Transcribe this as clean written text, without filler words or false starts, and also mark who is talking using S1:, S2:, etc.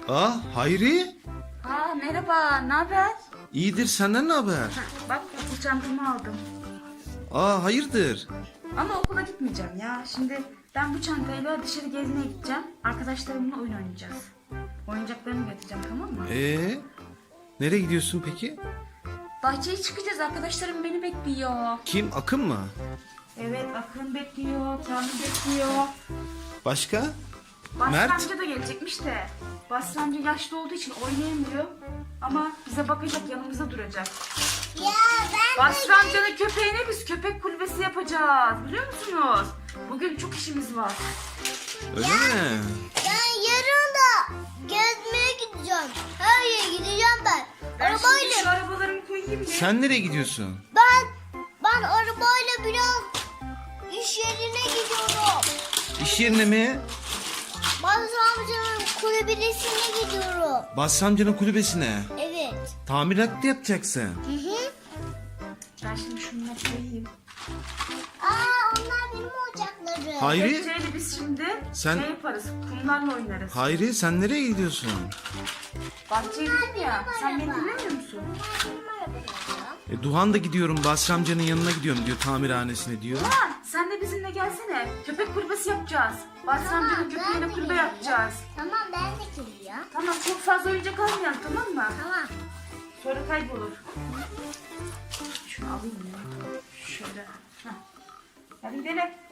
S1: Hayri.
S2: Merhaba, ne haber?
S1: İyidir, senden ne haber?
S2: Bak, okul çantamı aldım.
S1: Hayırdır?
S2: Ama okula gitmeyeceğim ya. Şimdi ben bu çantayla dışarı gezmeye gideceğim. Arkadaşlarımla oyun oynayacağız. Oyuncaklarımı götüreceğim, tamam mı?
S1: Nereye gidiyorsun peki?
S2: Bahçeye çıkacağız, arkadaşlarım beni bekliyor.
S1: Kim, Akın mı?
S2: Evet, Akın bekliyor, Kamil bekliyor.
S1: Başka?
S2: Basri
S1: Mert?
S2: amca da gelecekmiş de. Basri amca yaşlı olduğu için oynayamıyor. Ama bize bakacak, yanımızda duracak.
S3: Ya ben
S2: Basri amcanın köpeğine biz köpek kulübesi yapacağız. Biliyor musunuz? Bugün çok işimiz var.
S1: Öyle mi?
S3: Ben yarın da gezmeye gideceğim. Her yere gideceğim ben.
S2: Ben şimdi şu
S3: Arabayla.
S2: arabalarımı koyayım bir.
S1: Sen nereye gidiyorsun?
S3: Ben arabayla biraz iş yerine gidiyorum.
S1: İş yerine mi?
S3: Basri amcanın kulübesine gidiyorum.
S1: Basri amcanın kulübesine.
S3: Evet.
S1: Tamirat mı yapacaksın?
S3: Hı.
S2: Ben şimdi şunları koyayım.
S3: Onlar benim oyuncaklarım.
S1: Hayri?
S2: Betçe'yle biz şimdi
S1: Sen-
S2: şey yaparız, kumlarla oynarız.
S1: Hayri, sen nereye gidiyorsun?
S2: Bahçeye gittim ya, sen beni dinlemiyor musun?
S1: Duhan da gidiyorum, Basri amcanın yanına gidiyorum diyor, tamirhanesine diyor.
S2: Lan sen de bizimle gelsene. Köpek kulübesi yapacağız. Basri amcanın köpeğine kulübe yapacağız.
S3: Tamam ben de geliyorum.
S2: Tamam, çok fazla oyuncak almayalım, tamam mı?
S3: Tamam.
S2: Sonra kaybolur. Şunu alayım ya. Şöyle. Hadi gidelim.